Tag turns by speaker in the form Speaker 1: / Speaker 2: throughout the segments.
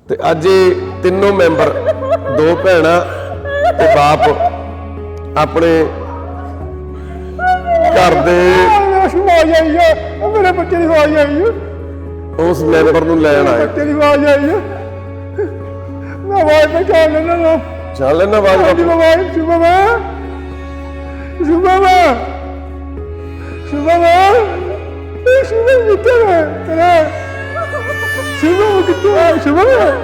Speaker 1: ਤੇ ਅੱਜ ਇਹ ਤਿੰਨੋਂ ਮੈਂਬਰ ਦੋ ਭੈਣਾਂ ਤੇ ਬਾਪ ਆਪਣੇ ਘਰ ਦੇ
Speaker 2: ਆਵਾਜ਼ ਆਈ ਹੈ ਮੇਰੇ ਬੱਚੇ ਦੀ ਆਵਾਜ਼ ਆਈ ਹੈ
Speaker 1: ਉਸ ਮੈਂਬਰ ਨੂੰ ਲੈਣ ਆਏ।
Speaker 2: ਬੱਚੇ ਦੀ ਆਵਾਜ਼ ਆਈ ਹੈ ਮੈਂ ਆਵਾਜ਼ ਪਛਾਣ ਲੈਣਾ ਨਾ
Speaker 1: ਚੱਲ ਲੈਣਾ ਆਵਾਜ਼
Speaker 2: ਆਵਾਜ਼ ਸੁਬਾ ਕਿੱਥੇ ਹੈ ਤੇਰਾ ਸੁਬਾ ਕਿੱਥੇ ਹੈ ਸੁਬਾ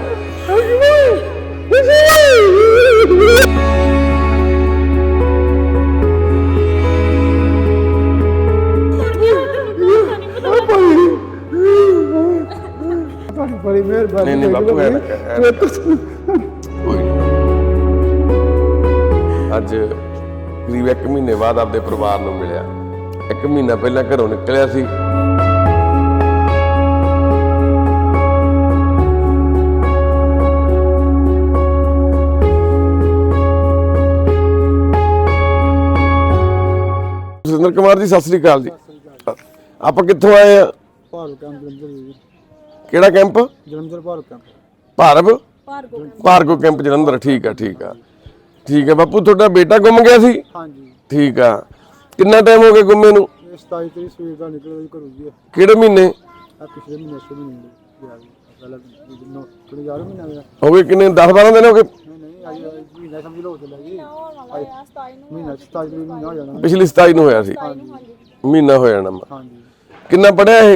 Speaker 2: बड़ी मेहरबानी
Speaker 1: नहीं बापू है ਅੱਜ ਕਰੀਬ 1 ਮਹੀਨੇ ਬਾਅਦ ਆਪਦੇ ਪਰਿਵਾਰ ਨੂੰ ਮਿਲਿਆ। 1 ਮਹੀਨਾ ਪਹਿਲਾਂ ਘਰੋਂ ਨਿਕਲਿਆ ਸੀ। ਸੁਰਿੰਦਰ ਕੁਮਾਰ ਜੀ, ਸਤਿ ਸ੍ਰੀ ਅਕਾਲ ਜੀ। ਆਪਾਂ ਕਿੱਥੋਂ ਆਏ ਆ?
Speaker 2: ਭਾਰਤ ਕੈਂਪ ਜਲੰਧਰ।
Speaker 1: ਕਿਹੜਾ camp?
Speaker 2: Jalandhar Bharat camp.
Speaker 1: Bhargo camp Jalandhar. ਠੀਕ ਆ ਠੀਕ ਆ ਬਾਪੂ, ਤੁਹਾਡਾ ਬੇਟਾ ਗੁੰਮ ਗਿਆ ਸੀ?
Speaker 2: ਹਾਂਜੀ
Speaker 1: ਠੀਕ ਆ। ਕਿੰਨਾ ਟਾਈਮ ਹੋ ਗਿਆ ਗੁੰਮੇ ਨੂੰ?
Speaker 2: 27 ਤਰੀਕ ਸਵੇਰ ਦਾ ਨਿਕਲਿਆ ਘਰੋਂ ਜੀ।
Speaker 1: ਕਿਹੜੇ ਮਹੀਨੇ?
Speaker 2: ਪਿਛਲੇ ਮਹੀਨੇ ਗਿਆ ਪਹਿਲਾਂ ਕਿਹੜੇ ਯਾਰ ਮਹੀਨਾ ਗਿਆ
Speaker 1: ਹੋ ਗਏ ਕਿੰਨੇ? 10-12 ਦਿਨ ਹੋ ਗਏ?
Speaker 2: ਨਹੀਂ ਅੱਜ ਮਹੀਨਾ ਸਮਝ ਲਓ ਚੱਲਿਆ ਜੀ। ਮਹੀਨਾ 27 ਤਰੀਕ ਨੂੰ ਹੋ ਜਾਣਾ।
Speaker 1: ਪਿਛਲੀ 27 ਨੂੰ ਹੋਇਆ ਸੀ। ਮਹੀਨਾ ਹੋ ਜਾਣਾ।
Speaker 2: ਹਾਂਜੀ।
Speaker 1: ਕਿੰਨਾ ਪੜਿਆ ਇਹ?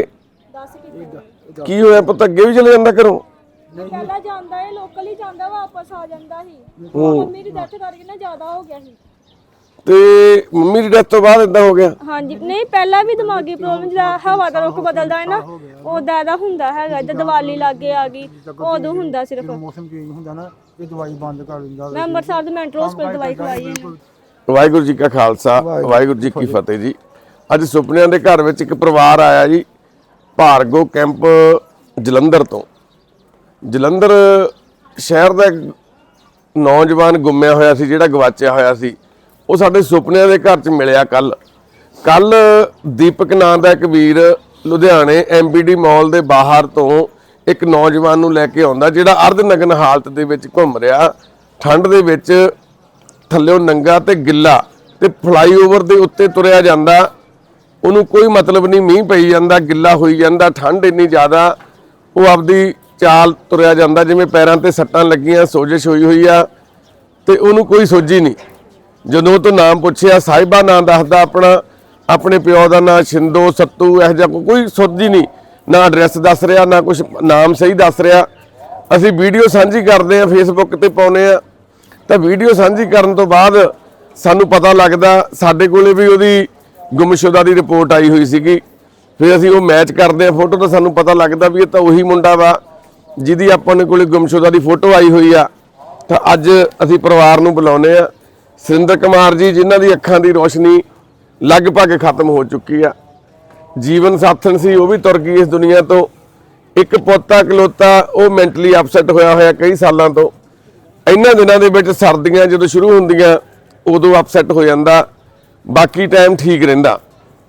Speaker 3: 10
Speaker 1: ਕੀ ਹੋਇਆ ਪੁੱਤ, ਅੱਗੇ ਵੀ ਚਲੇ ਜਾਂਦਾ ਘਰੋਂ?
Speaker 3: ਪਹਿਲਾਂ ਜਾਂਦਾ ਹੈ, ਲੋਕਲ ਹੀ ਜਾਂਦਾ, ਵਾਪਸ ਆ ਜਾਂਦਾ ਸੀ। ਮੰਮੀ ਦੀ ਡੈਥ ਕਰਕੇ ਨਾ ਜ਼ਿਆਦਾ ਹੋ ਗਿਆ ਸੀ।
Speaker 1: ਤੇ ਮੰਮੀ ਦੀ ਡੈਥ ਤੋਂ ਬਾਅਦ ਇਦਾਂ ਹੋ ਗਿਆ?
Speaker 3: ਹਾਂਜੀ, ਨਹੀਂ ਪਹਿਲਾਂ ਵੀ ਦਿਮਾਗੀ ਪ੍ਰੋਬਲਮ ਜਿਹੜਾ ਹਵਾ ਦਾ ਰੁੱਖ ਬਦਲਦਾ ਹੈ ਨਾ, ਉਹਦਾ ਦਾ ਹੁੰਦਾ ਹੈਗਾ। ਜਦ ਦੀਵਾਲੀ ਲਾਗੇ ਆ ਗਈ ਉਦੋਂ ਹੁੰਦਾ ਸਿਰਫ।
Speaker 2: ਮੌਸਮ ਚੇਂਜ ਹੁੰਦਾ ਨਾ, ਇਹ ਦਵਾਈ ਬੰਦ ਕਰ ਦਿੰਦਾ।
Speaker 3: ਮੈਂ ਅੰਮ੍ਰਿਤਸਰ ਦੇ ਮੈਂਟਲ ਹਸਪਤਾਲ ਦਵਾਈ ਖਵਾਈ ਹੈ।
Speaker 1: ਵਾਹਿਗੁਰੂ ਜੀ ਕਾ ਖਾਲਸਾ, ਵਾਹਿਗੁਰੂ ਜੀ ਕੀ ਫਤਿਹ ਜੀ। ਅੱਜ ਸੁਪਨਿਆਂ ਦੇ ਘਰ ਵਿੱਚ ਇੱਕ ਪਰਿਵਾਰ ਆਇਆ ਜੀ, ਭਾਰਗੋ ਕੈਂਪ ਜਲੰਧਰ ਤੋਂ। ਜਲੰਧਰ ਸ਼ਹਿਰ ਦਾ ਨੌਜਵਾਨ ਗੁੰਮਿਆ ਹੋਇਆ ਸੀ, ਜਿਹੜਾ ਗਵਾਚਿਆ ਹੋਇਆ ਸੀ। ਉਹ ਸਾਡੇ ਸੁਪਨਿਆਂ ਦੇ ਘਰ 'ਚ ਮਿਲਿਆ ਕੱਲ ਦੀਪਕ ਨਾਂ ਦਾ ਇੱਕ ਵੀਰ ਲੁਧਿਆਣੇ ਐਮਬੀਡੀ ਮਾਲ ਦੇ ਬਾਹਰ ਤੋਂ ਇੱਕ ਨੌਜਵਾਨ ਨੂੰ ਲੈ ਕੇ ਆਉਂਦਾ, ਜਿਹੜਾ ਅਰਧ ਨਗਨ ਹਾਲਤ ਦੇ ਵਿੱਚ ਘੁੰਮ ਰਿਹਾ, ਠੰਡ ਦੇ ਵਿੱਚ ਥੱਲਿਓਂ ਨੰਗਾ ਤੇ ਗਿੱਲਾ, ਤੇ ਫਲਾਈਓਵਰ ਦੇ ਉੱਤੇ ਤੁਰਿਆ ਜਾਂਦਾ। ਉਹਨੂੰ ਕੋਈ ਮਤਲਬ ਨਹੀਂ, ਮੀਂਹ ਪਈ ਜਾਂਦਾ, ਗਿੱਲਾ ਹੋਈ ਜਾਂਦਾ, ਠੰਡ ਇੰਨੀ ਜ਼ਿਆਦਾ। ਉਹ ਆਪਦੀ ਚਾਲ ਤੁਰਿਆ ਜਾਂਦਾ ਜਿਵੇਂ ਪੈਰਾਂ ਤੇ ਸੱਟਾਂ ਲੱਗੀਆਂ, ਸੋਜਿਸ਼ ਹੋਈ ਆ, ਤੇ ਉਹਨੂੰ ਕੋਈ ਸੋਝੀ ਨਹੀਂ। ਜਦੋਂ ਉਹ ਤੋਂ ਨਾਮ ਪੁੱਛਿਆ, ਸਾਹਿਬਾ ਨਾਂ ਦੱਸਦਾ ਆਪਣਾ, ਆਪਣੇ ਪਿਓ ਦਾ ਨਾਂ ਸ਼ਿੰਦੋ, ਸੱਤੂ, ਇਹੋ ਜਿਹਾ ਕੋਈ ਸੋਝੀ ਨਹੀਂ, ਨਾ ਐਡਰੈਸ ਦੱਸ ਰਿਹਾ, ਨਾ ਕੁਝ ਨਾਮ ਸਹੀ ਦੱਸ ਰਿਹਾ। ਅਸੀਂ ਵੀਡੀਓ ਸਾਂਝੀ ਕਰਦੇ ਆ, ਫੇਸਬੁੱਕ ਤੇ ਪਾਉਂਦੇ ਆ, ਤਾਂ ਵੀਡੀਓ ਸਾਂਝੀ ਕਰਨ ਤੋਂ ਬਾਅਦ ਸਾਨੂੰ ਪਤਾ ਲੱਗਦਾ, ਸਾਡੇ ਕੋਲੇ ਵੀ ਉਹਦੀ ਗੁੰਮਸ਼ੁਦਾ ਦੀ ਰਿਪੋਰਟ ਆਈ ਹੋਈ ਸੀਗੀ। ਫਿਰ ਅਸੀਂ ਉਹ ਮੈਚ ਕਰਦੇ ਆ ਫੋਟੋ, ਤਾਂ ਸਾਨੂੰ ਪਤਾ ਲੱਗਦਾ ਵੀ ਇਹ ਤਾਂ ਉਹੀ ਮੁੰਡਾ ਵਾ ਜਿਹਦੀ ਆਪਾਂ ਨੇ ਕੋਲੇ ਗੁੰਮਸ਼ੁਦਾ ਦੀ ਫੋਟੋ ਆਈ ਹੋਈ ਆ। ਤਾਂ ਅੱਜ ਅਸੀਂ ਪਰਿਵਾਰ ਨੂੰ ਬੁਲਾਉਂਦੇ ਆ। ਸੁਰਿੰਦਰ ਕੁਮਾਰ ਜੀ, ਜਿਨ੍ਹਾਂ ਦੀ ਅੱਖਾਂ ਦੀ ਰੋਸ਼ਨੀ ਲਗਭਗ ਖਤਮ ਹੋ ਚੁੱਕੀ ਆ। ਜੀਵਨ ਸਾਥਣ ਸੀ, ਉਹ ਵੀ ਤੁਰ ਗਈ ਇਸ ਦੁਨੀਆ ਤੋਂ। ਇੱਕ ਪੋਤਾ ਇਕਲੌਤਾ, ਉਹ ਮੈਂਟਲੀ ਅਪਸੈਟ ਹੋਇਆ ਕਈ ਸਾਲਾਂ ਤੋਂ। ਇਹਨਾਂ ਦਿਨਾਂ ਦੇ ਵਿੱਚ ਸਰਦੀਆਂ ਜਦੋਂ ਸ਼ੁਰੂ ਹੁੰਦੀਆਂ ਉਦੋਂ ਅਪਸੈਟ ਹੋ ਜਾਂਦਾ, ਬਾਕੀ ਟਾਈਮ ਠੀਕ ਰਹਿੰਦਾ।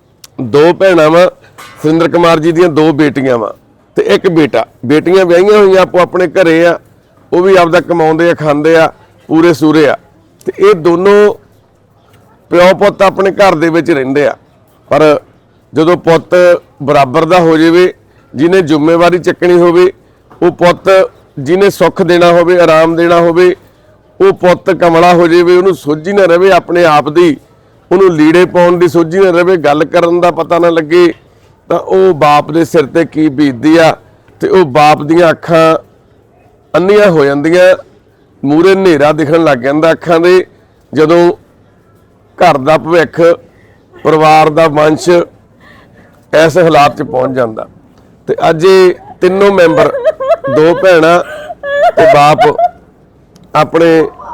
Speaker 1: 2 ਭੈਣਾਂ ਵਾ ਸੁਰਿੰਦਰ ਕੁਮਾਰ ਜੀ ਦੀਆਂ, 2 ਬੇਟੀਆਂ ਵਾ ਤੇ ਇੱਕ ਬੇਟਾ। ਬੇਟੀਆਂ ਵਿਆਹੀਆਂ ਹੋਈਆਂ, ਆਪੋ ਆਪਣੇ ਘਰੇ ਆ, ਉਹ ਵੀ ਆਪਦਾ ਕਮਾਉਂਦੇ ਆ, ਖਾਂਦੇ ਆ, ਪੂਰੇ ਸੂਰੇ ਆ। ਤੇ ਇਹ ਦੋਨੋਂ ਪਿਓ ਪੁੱਤ ਆਪਣੇ ਘਰ ਦੇ ਵਿੱਚ ਰਹਿੰਦੇ ਆ। ਪਰ ਜਦੋਂ ਪੁੱਤ ਬਰਾਬਰ ਦਾ ਹੋ ਜਾਵੇ, ਜਿਹਨੇ ਜ਼ਿੰਮੇਵਾਰੀ ਚੱਕਣੀ ਹੋਵੇ, ਉਹ ਪੁੱਤ ਜਿਹਨੇ ਸੁੱਖ ਦੇਣਾ ਹੋਵੇ, ਆਰਾਮ ਦੇਣਾ ਹੋਵੇ, ਉਹ ਪੁੱਤ ਕਮਲਾ ਹੋ ਜਾਵੇ, ਉਹਨੂੰ ਸੋਝੀ ਨਾ ਰਵੇ ਆਪਣੇ ਆਪ ਦੀ, ਉਹਨੂੰ ਲੀੜੇ ਪਾਉਣ ਦੀ ਸੋਝੀ ਨਾ ਰਵੇ, ਗੱਲ ਕਰਨ ਦਾ ਪਤਾ ਨਾ ਲੱਗੇ, ਤਾਂ ਉਹ ਬਾਪ ਦੇ ਸਿਰ ਤੇ ਕੀ ਬੀਤਦੀ ਆ। ਤੇ ਉਹ ਬਾਪ ਦੀਆਂ ਅੱਖਾਂ ਅੰਨੀਆਂ ਹੋ ਜਾਂਦੀਆਂ, ਮੂਹਰੇ ਹਨੇਰਾ ਦਿਖਣ ਲੱਗ ਜਾਂਦਾ ਅੱਖਾਂ ਦੇ, ਜਦੋਂ ਘਰ ਦਾ ਭਵਿੱਖ, ਪਰਿਵਾਰ ਦਾ ਵੰਸ਼ ਇਸ ਹਾਲਾਤ 'ਚ ਪਹੁੰਚ ਜਾਂਦਾ। ਤੇ ਅੱਜ ਇਹ ਤਿੰਨੋਂ ਮੈਂਬਰ, 2 ਭੈਣਾਂ ਤੇ ਬਾਪ, ਆਪਣੇ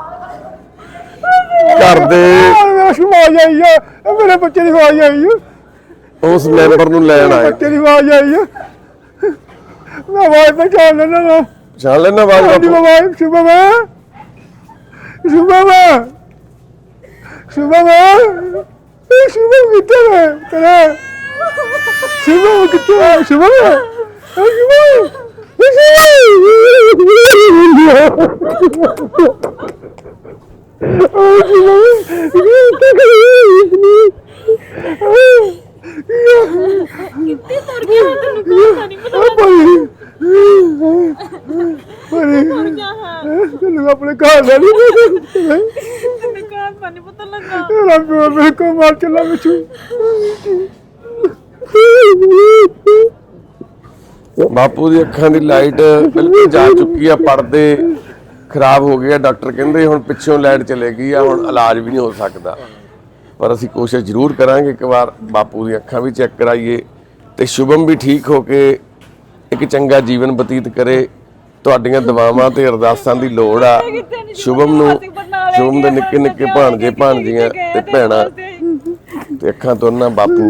Speaker 1: ਘਰ ਦੇ
Speaker 2: ਆਵਾਜ਼ ਆਈ ਹੈ ਮੇਰੇ ਬੱਚੇ ਦੀ ਆਵਾਜ਼ ਆਈ ਹੈ
Speaker 1: ਉਸ ਮੈਂਬਰ ਨੂੰ ਲੈਣ ਆਏ।
Speaker 2: ਬੱਚੇ ਦੀ ਆਵਾਜ਼ ਆਈ ਹੈ ਮੈਂ ਆਵਾਜ਼ ਪਛਾਣ ਲੈਣਾ ਨਾ
Speaker 1: ਪਛਾਣ ਲੈਣਾ ਆਵਾਜ਼ ਬਾਪੂ?
Speaker 2: ਸੁਬਾ ਕਿੱਥੇ ਹੈ ਤੇਰਾ ਸੁਬਾ ਕਿੱਥੇ ਹੈ?
Speaker 3: ਕਿੱਥੇ ਤੁਰ ਗਿਆ ਤੈਨੂੰ ਕੋਈ ਨਹੀਂ ਪਤਾ ਤੁਰ ਗਿਆ ਹੈ
Speaker 2: ਤੈਨੂੰ ਆਪਣੇ ਘਰ ਦਾ ਨਹੀਂ
Speaker 3: ਤੈਨੂੰ ਘਰ ਦਾ ਨਹੀਂ ਪਤਾ ਲੱਗਾ
Speaker 2: ਤੇਰਾ ਪਿਓ ਮੇਰੇ ਕੋ ਮਾਰ ਚੱਲਾ ਮਿੱਠੂ
Speaker 1: ਬਾਪੂ ਦੀ ਅੱਖਾਂ ਦੀ ਲਾਈਟ ਬਿਲਕੁਲ ਜਾ ਚੁੱਕੀ ਆ, ਪਰਦੇ ਖਰਾਬ ਹੋ ਗਏ ਆ। ਡਾਕਟਰ ਕਹਿੰਦੇ ਹੁਣ ਪਿੱਛੋਂ ਲਾਈਟ ਚਲੇ ਗਈ ਆ, ਹੁਣ ਇਲਾਜ ਵੀ ਨਹੀਂ ਹੋ ਸਕਦਾ, ਪਰ ਅਸੀਂ ਕੋਸ਼ਿਸ਼ ਜ਼ਰੂਰ ਕਰਾਂਗੇ ਇੱਕ ਵਾਰ ਬਾਪੂ ਦੀਆਂ ਅੱਖਾਂ ਵੀ ਚੈੱਕ ਕਰਾਈਏ ਤੇ ਸ਼ੁਭਮ ਵੀ ਠੀਕ ਹੋ ਕੇ ਇੱਕ ਚੰਗਾ ਜੀਵਨ ਬਤੀਤ ਕਰੇ। ਤੁਹਾਡੀਆਂ ਦੁਆਵਾਂ ਤੇ ਅਰਦਾਸਾਂ ਦੀ ਲੋੜ ਆ ਸ਼ੁਭਮ ਨੂੰ। ਸ਼ੁਭਮ ਦੇ ਨਿੱਕੇ ਨਿੱਕੇ ਭਾਣਜੇ ਭਾਣਜੀਆਂ ਤੇ ਭੈਣਾਂ ਤੇ ਅੱਖਾਂ ਤੋਂ ਨਾ ਬਾਪੂ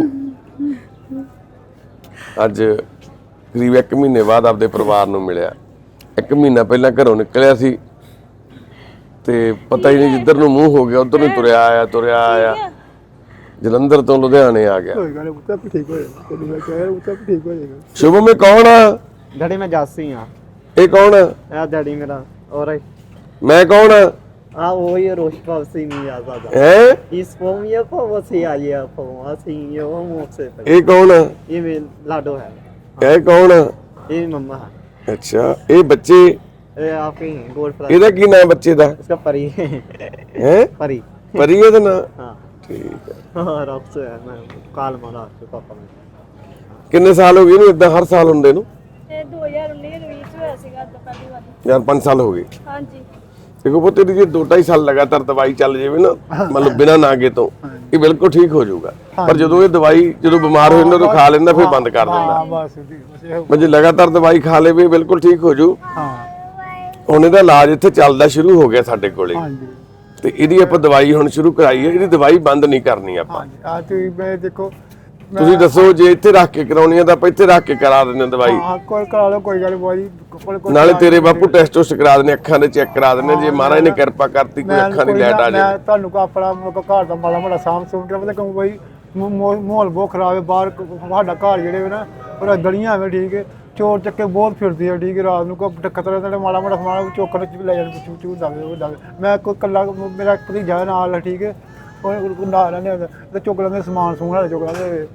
Speaker 1: ਅੱਜ ਕਰੀਬ 1 ਮਹੀਨੇ ਬਾਅਦ ਆਪਦੇ ਪਰਿਵਾਰ ਨੂੰ ਮਿਲਿਆ। 1 ਮਹੀਨਾ ਪਹਿਲਾਂ ਘਰੋਂ ਨਿਕਲਿਆ ਸੀ ਤੇ ਪਤਾ ਹੀ ਨਹੀਂ ਜਿੱਧਰ ਨੂੰ ਮੂੰਹ ਹੋ ਗਿਆ ਉਧਰ ਨੂੰ ਤੁਰਿਆ ਆਇਆ ਜਲੰਧਰ ਤੋਂ ਲੁਧਿਆਣੇ ਆ ਗਿਆ।
Speaker 2: ਕੋਈ ਗੱਲ ਨਹੀਂ, ਉੱਤਾ ਠੀਕ ਹੋ ਜਾਏਗਾ। ਤੈਨੂੰ ਮੈਂ ਕਹਿ ਰਿਹਾ ਉੱਤਾ ਠੀਕ ਹੋ ਜਾਏਗਾ।
Speaker 1: ਸ਼ੁਭਮ ਇਹ ਕੌਣ ਆ?
Speaker 4: डैडी मैं जासी हाँ
Speaker 1: ਇਹ ਕੌਣ ਆ?
Speaker 4: यार डैडी मेरा और
Speaker 1: ਮੈਂ ਕੌਣ ਆ?
Speaker 4: हाँ वो ये रोश पाव से नहीं आता था
Speaker 1: ਹੈ
Speaker 4: इस फॉर्म ये पाव से आ ये फॉर्म से ये वो मुंह से
Speaker 1: ਇਹ ਕੌਣ ਆ?
Speaker 4: ये मेरे लाडो है
Speaker 1: ਇਹ ਕੌਣ ਆ?
Speaker 4: ये मम्मा है
Speaker 1: ਅੱਛਾ ਇਹ ਬੱਚੇ
Speaker 4: ये आपके गोल्ड फ्लावर
Speaker 1: ਇਹਦਾ ਕੀ ਨਾਮ ਬੱਚੇ ਦਾ?
Speaker 4: इसका परी है
Speaker 1: ਹੈ
Speaker 4: परी
Speaker 1: ਪਰੀ ਇਹਦਾ ਨਾਂ?
Speaker 4: हाँ
Speaker 1: ਠੀਕ ਹੈ।
Speaker 4: और अब से है मैं काल मारा आपके पापा में
Speaker 1: ਕਿੰਨੇ ਸਾਲ ਹੋ ਗਏ ਇਹਨੂੰ ਇਦਾਂ ਹਰ ਸਾਲ ਹੁੰਦੇ ਨੂੰ?
Speaker 3: ਇਹ 2019 ਦੇ ਵਿੱਚ ਹੋਇਆ ਸੀਗਾ ਅੱਜ ਪਹਿਲੀ ਵਾਰ।
Speaker 1: ਯਾਰ 5 ਸਾਲ ਹੋ ਗਏ।
Speaker 3: ਹਾਂਜੀ
Speaker 1: ਦੇਖੋ ਪੁੱਤ ਇਹਦੀ ਜੇ 2-2.5 ਸਾਲ ਲਗਾਤਾਰ ਦਵਾਈ ਚੱਲ ਜਾਵੇ ਨਾ ਮਤਲਬ ਬਿਨਾਂ ਨਾਗੇ ਤੋਂ ਇਹ ਬਿਲਕੁਲ ਠੀਕ ਹੋ ਜਾਊਗਾ। ਪਰ ਜਦੋਂ ਇਹ ਦਵਾਈ ਜਦੋਂ ਬਿਮਾਰ ਹੋ ਜਾਂਦਾ ਉਦੋਂ ਖਾ ਲੈਂਦਾ ਫਿਰ ਬੰਦ ਕਰ ਦਿੰਦਾ।
Speaker 2: ਹਾਂ ਬਸ ਬਸ ਇਹੋ।
Speaker 1: ਮੈਂ ਜੇ ਲਗਾਤਾਰ ਦਵਾਈ ਖਾ ਲਵੇ ਬਿਲਕੁਲ ਠੀਕ ਹੋ ਜੂ।
Speaker 2: ਹਾਂ
Speaker 1: ਹੁਣ ਇਹਦਾ ਇਲਾਜ ਇੱਥੇ ਚੱਲਦਾ ਸ਼ੁਰੂ ਹੋ ਗਿਆ ਸਾਡੇ ਕੋਲੇ
Speaker 2: ਹਾਂਜੀ
Speaker 1: ਤੇ ਇਹਦੀ ਆਪਾਂ ਦਵਾਈ ਹੁਣ ਸ਼ੁਰੂ ਕਰਾਈ ਹੈ। ਇਹਦੀ ਦਵਾਈ ਬੰਦ ਨਹੀਂ ਕਰਨੀ ਆਪਾਂ।
Speaker 2: ਹਾਂਜੀ ਆ ਤੁਸੀਂ ਮੈਂ ਦੇਖੋ
Speaker 1: ਤੁਸੀਂ ਦੱਸੋ ਜੇ ਇੱਥੇ ਰੱਖ ਕੇ ਕਰਾਉਣੀ ਹੈ ਤਾਂ ਆਪਾਂ ਇੱਥੇ ਰੱਖ ਕੇ ਕਰਾ ਦਿੰਦੇ ਹਾਂ ਦਵਾਈ।
Speaker 2: ਹਾਂ ਕੋਈ ਕਰਾ ਲਓ ਕੋਈ ਗੱਲ ਬਾਈ
Speaker 1: ਨਾਲੇ ਤੇਰੇ ਬਾਪੂ ਟੈਸਟ ਟੁਸਟ ਕਰਾ ਦਿੰਦੇ ਅੱਖਾਂ ਦੇ ਚੈੱਕ ਕਰਾ ਦਿੰਦੇ ਜੇ ਮਹਾਰਾਜ ਨੇ ਕਿਰਪਾ ਕਰਤੀ ਕੋਈ ਅੱਖਾਂ ਦੀ ਲਾਈਟ ਆ ਜਾਵੇ।
Speaker 2: ਮੈਂ ਤੁਹਾਨੂੰ ਕੋ ਆਪਣਾ ਘਰ ਦਾ ਮਾੜਾ ਮਾੜਾ ਸਾਂਭ ਸੁਣ ਕੇ ਪਤਾ ਕਿਉਂ ਬਾਈ ਮਾਹੌਲ ਬਹੁਤ ਖਰਾਬ ਹੈ ਬਾਹਰ ਸਾਡਾ ਘਰ ਜਿਹੜੇ ਵੇ ਨਾ ਪਰ ਗਲੀਆਂ ਐਵੇਂ ਠੀਕ ਹੈ ਚੋਰ ਚੱਕੇ ਬਹੁਤ ਫਿਰਦੇ ਆ ਠੀਕ ਹੈ ਰਾਤ ਨੂੰ ਕੋਈ ਖਤਰਾ ਤਾਂ ਮਾੜਾ ਮਾੜਾ ਸਮਾਨ ਚੋਕਰ ਚ ਵੀ ਲੈ ਜਾਣ ਚੂਚੂ ਦਵੇ ਮੈਂ ਕੋਈ ਕੱਲਾ ਮੇਰਾ ਭਤੀਜਾ ਨਾਲ ਠੀਕ ਹੈ ਉਹ ਨਾਲ ਨੇ ਤੇ ਚੁੱਕ ਲੈਂਦੇ ਸਮਾਨ ਸਮੂਨ ਵਾਲੇ ਚੁੱਕ ਲੈਂਦੇ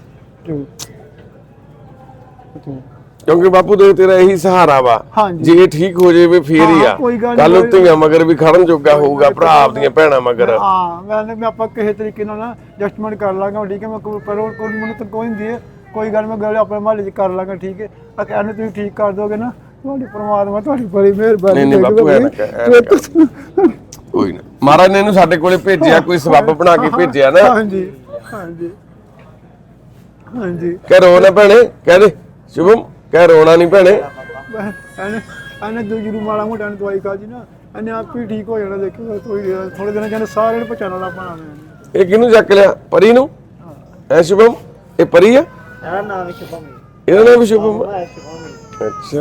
Speaker 1: ਕਿਉਂਕਿ ਬਾਪੂ ਦੇ ਤੇਰਾ ਇਹੀ ਸਹਾਰਾ ਵਾ।
Speaker 2: ਹਾਂਜੀ।
Speaker 1: ਜੇ ਇਹ ਠੀਕ ਹੋ ਜਾਵੇ ਫੇਰ ਹੀ ਆ। ਕੱਲ ਨੂੰ ਧੀਆਂ ਮਗਰ ਵੀ ਖੜਨ ਜੋਗਾ ਹੋਊਗਾ ਭਰਾ ਆਪਦੀਆਂ ਭੈਣਾਂ ਮਗਰ।
Speaker 2: ਹਾਂ ਮੈਂ ਆਪਾਂ ਕਿਸੇ ਤਰੀਕੇ ਨਾਲ ਨਾ ਐਡਜਸਟਮੈਂਟ ਕਰ ਲਾਂਗਾ ਠੀਕ ਹੈ। ਮੈਂ ਕੋਈ ਮੈਨੂੰ ਤਾਂ ਕੋਈ ਹੁੰਦੀ ਹੈ ਕੋਈ ਗੱਲ ਮੈਂ ਗੱਲ ਆਪਣੇ ਮਹੱਲੇ 'ਚ ਕਰ ਲਾਂਗਾ ਠੀਕ ਹੈ। ਇਹਨੂੰ ਤੁਸੀਂ ਠੀਕ ਕਰ ਦੋਗੇ ਨਾ ਤੁਹਾਡੀ ਪਰਮਾਤਮਾ ਤੁਹਾਡੀ ਬੜੀ ਮਿਹਰਬਾਨੀ।
Speaker 1: ਨਹੀਂ ਬਾਪੂ ਐ ਨਾ ਕੋਈ ਨਾ ਮਹਾਰਾਜ ਨੇ ਇਹਨੂੰ ਸਾਡੇ ਕੋਲੇ ਭੇਜਿਆ ਕੋਈ ਸਬੱਬ ਬਣਾ ਕੇ ਭੇਜਿਆ ਨਾ।
Speaker 2: ਹਾਂਜੀ ਹਾਂਜੀ ਹਾਂਜੀ
Speaker 1: ਕਹਿ ਰੋ ਨਾ ਭੈਣੇ ਕਹਿ ਦੇ ਸ਼ੁਭਮ ਕਹਿ ਰੋਣਾ ਨਹੀਂ ਭੈਣੇ।
Speaker 2: ਇਹਨੇ ਦੂਜੀ ਮਾੜਾ ਮੋਟਾ ਦਵਾਈ ਖਾ ਜੀ ਨਾ ਇਹਨੇ ਆਪ ਹੀ ਠੀਕ ਹੋ ਜਾਣਾ। ਦੇਖੋ ਥੋੜੇ ਦਿਨਾਂ ਚ ਸਾਰਿਆਂ ਨੂੰ ਪਛਾਣ ਵਾਲਾ ਪਾਣਾ।
Speaker 1: ਇਹ ਕਿਹਨੂੰ ਚੱਕ ਲਿਆ? ਪਰੀ ਨੂੰ? ਐ ਸ਼ੁਭਮ ਇਹ ਪਰੀ ਆ?
Speaker 4: यार नाम है शुभम
Speaker 1: ਇਹਦਾ ਨਾਮ ਵੀ ਸ਼ੁਭਮ ਆ?
Speaker 4: है शुभम
Speaker 1: ਅੱਛਾ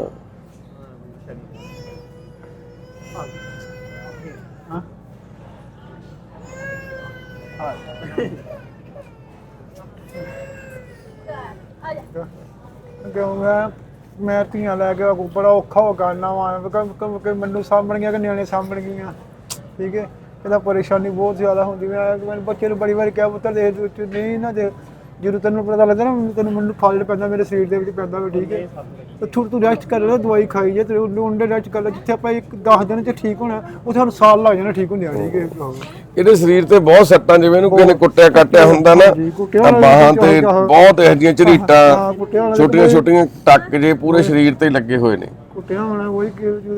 Speaker 2: ਕਿਉਂ ਮੈਂ ਧੀਆਂ ਲੈ ਕੇ ਬੜਾ ਔਖਾ ਹੋ ਕਰਨਾ ਵਾ ਮੈਨੂੰ ਸਾਂਭਣ ਗਿਆ ਕਿ ਨਿਆਣੇ ਸਾਂਭਣ ਗਈਆਂ ਠੀਕ ਹੈ। ਇਹਦਾ ਪਰੇਸ਼ਾਨੀ ਬਹੁਤ ਜ਼ਿਆਦਾ ਹੁੰਦੀ ਮੈਂ ਬੱਚੇ ਨੂੰ ਬੜੀ ਵਾਰੀ ਕਿਹਾ ਪੁੱਤਰ ਦੇ ਨਹੀਂ ਨਾ ਦੇ ਜਦੋਂ ਤੈਨੂੰ ਪਤਾ ਲੱਗਦਾ ਨਾ ਮੈਨੂੰ ਫਲ ਪੈਂਦਾ ਮੇਰੇ ਸਰੀਰ ਦੇ ਵਿੱਚ ਪੈਂਦਾ ਵੀ ਠੀਕ ਹੈ ਤੇ ਥੋੜੀ ਤੂੰ ਰੈਸਟ ਕਰ ਲੈ ਦਵਾਈ ਖਾਈ ਜੇ ਤੇ ਉਹਨੇ ਰੈਸਟ ਕਰ ਲੈ ਜਿੱਥੇ ਆਪਾਂ 10 ਦਿਨ ਚ ਠੀਕ ਹੋਣਾ ਉੱਥੇ ਸਾਨੂੰ ਸਾਲ ਲੱਗ ਜਾਣਾ ਠੀਕ ਹੁੰਦਿਆਂ ਠੀਕ ਹੈ।
Speaker 1: ਇਹਦੇ ਸਰੀਰ ਤੇ ਬਹੁਤ ਸੱਟਾਂ ਜਿਵੇਂ ਇਹਨੂੰ ਕਿਸੇ ਨੇ ਕੁੱਟਿਆ ਕਾਟਿਆ ਹੁੰਦਾ ਨਾ ਤਾਂ ਬਾਹਾਂ ਤੇ ਬਹੁਤ ਇਹੋ ਜਿਹੀਆਂ ਝਰੀਟਾਂ ਛੋਟੀਆਂ ਛੋਟੀਆਂ ਟੱਕ ਜੇ ਪੂਰੇ ਸਰੀਰ ਤੇ ਲੱਗੇ ਹੋਏ ਨੇ।
Speaker 2: ਕੁੱਟਿਆ ਹੋਣਾ ਕੋਈ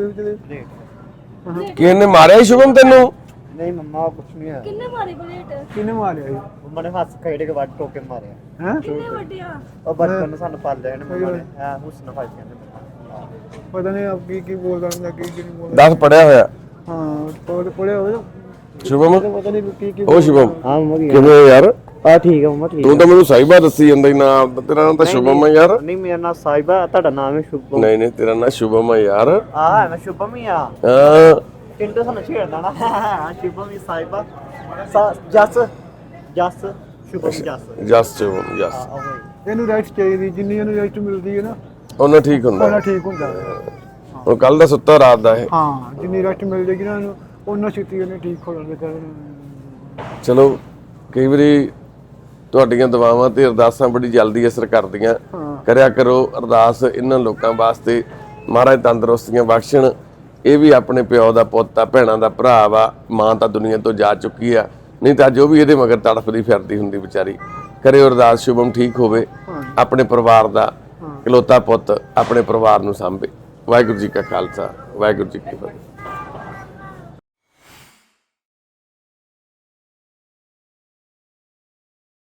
Speaker 1: ਕਿਸੇ ਨੇ ਮਾਰਿਆ ਸ਼ੁਭਮ ਤੈਨੂੰ?
Speaker 4: नहीं मम्मा कुछ नहीं है
Speaker 3: ਕਿੰਨੇ ਮਾਰੇ ਬੁਲੇਟ?
Speaker 2: ਕਿਹਨੇ ਮਾਰਿਆ ਜੀ
Speaker 4: मम्मा ने हाथ खेड़े के बाद टोके मारे
Speaker 2: ਹੈ
Speaker 3: ਕਿੰਨੇ ਵੱਡੇ ਆ?
Speaker 4: और बचपन में सानू पाल लिया ने मम्मा ने हां हुस्न फाइट करने
Speaker 2: ਪਤਾ ਨਹੀਂ ਆਪ ਕੀ ਬੋਲਦਾ ਹੁੰਦਾ ਕੀ ਨਹੀਂ ਬੋਲਦਾ।
Speaker 1: 10 ਪੜਿਆ ਹੋਇਆ
Speaker 2: ਹਾਂ ਪੜਿਆ ਹੋਇਆ
Speaker 1: ਸ਼ੁਭਮ?
Speaker 2: ਪਤਾ ਨਹੀਂ ਕੀ
Speaker 1: ਉਹ ਸ਼ੁਭਮ
Speaker 4: हां मम्मा
Speaker 1: ਕਿਵੇਂ ਯਾਰ?
Speaker 4: हां ठीक है मम्मा ठीक
Speaker 1: ਤੂੰ ਤਾਂ ਮੈਨੂੰ ਸਾਹਿਬਾ ਦੱਸੀ ਜਾਂਦਾ ਹੀ ਨਾ ਤੇਰਾ ਨਾਮ ਤਾਂ ਸ਼ੁਭਮ ਹੈ ਯਾਰ।
Speaker 4: नहीं मेरा नाम साहिबा ਤੁਹਾਡਾ ਨਾਮ ਹੈ शुभम
Speaker 1: ਨਹੀਂ ਨਹੀਂ ਤੇਰਾ ਨਾਮ ਸ਼ੁਭਮ ਹੈ ਯਾਰ।
Speaker 4: ਆ ਮੈਂ शुभम ही ਆ
Speaker 1: ਹਾਂ
Speaker 4: चिंटू ਸਾਨੂੰ ਛੇੜਦਾ ਨਾ शुभम ही साहिबा ਜਸ शुभम जस
Speaker 1: ਜਸ ਸ਼ੁਭਮ ਜਸ
Speaker 2: ਇਹਨੂੰ ਰੈਸਟ ਚਾਹੀਦੀ ਜਿੰਨੀ ਇਹਨੂੰ ਰੈਸਟ ਮਿਲਦੀ ਹੈ ਨਾ
Speaker 1: ਉਹਨਾਂ ਠੀਕ ਹੁੰਦਾ
Speaker 2: ਉਹਨਾਂ ਠੀਕ ਹੁੰਦਾ
Speaker 1: ਹੁਣ ਕੱਲ ਦਾ ਸੁੱਤਾ ਰਾਤ ਦਾ ਇਹ।
Speaker 2: ਹਾਂ ਜਿੰਨੀ ਰੈਸਟ ਮਿਲ ਜੇਗੀ ਨਾ ਇਹਨੂੰ ਉਹਨਾਂ ਛੇਤੀ ਉਹਨੇ ਠੀਕ ਹੋ ਜਾਣਗੇ।
Speaker 1: ਚਲੋ ਕਈ ਵਾਰੀ ਤੁਹਾਡੀਆਂ ਦੁਆਵਾਂ ਤੇ ਅਰਦਾਸਾਂ ਬੜੀ ਜਲਦੀ ਅਸਰ ਕਰਦੀਆਂ। ਕਰਿਆ ਕਰੋ ਅਰਦਾਸ ਇਹਨਾਂ ਲੋਕਾਂ ਵਾਸਤੇ, ਮਹਾਰਾਜ ਤੰਦਰੁਸਤੀਆਂ ਬਖਸ਼ਣ। ਇਹ ਵੀ ਆਪਣੇ ਪਿਓ ਦਾ ਪੁੱਤ ਆ, ਭੈਣਾਂ ਦਾ ਭਰਾ ਵਾ, ਮਾਂ ਤਾਂ ਦੁਨੀਆ ਤੋਂ ਜਾ ਚੁੱਕੀ ਆ, ਨਹੀਂ ਤਾਂ ਜੋ ਵੀ ਇਹਦੇ ਮਗਰ ਤੜਫਦੀ ਫਿਰਦੀ ਹੁੰਦੀ ਵਿਚਾਰੀ। ਕਰਿਓ ਅਰਦਾਸ ਸ਼ੁਭਮ ਠੀਕ ਹੋਵੇ, ਆਪਣੇ ਪਰਿਵਾਰ ਦਾ ਇਕਲੌਤਾ ਪੁੱਤ ਆਪਣੇ ਪਰਿਵਾਰ ਨੂੰ ਸਾਂਭੇ। ਵਾਹਿਗੁਰੂ ਜੀ ਕਾ ਖਾਲਸਾ, ਵਾਹਿਗੁਰੂ ਜੀ ਕੀ ਫਤਿਹ।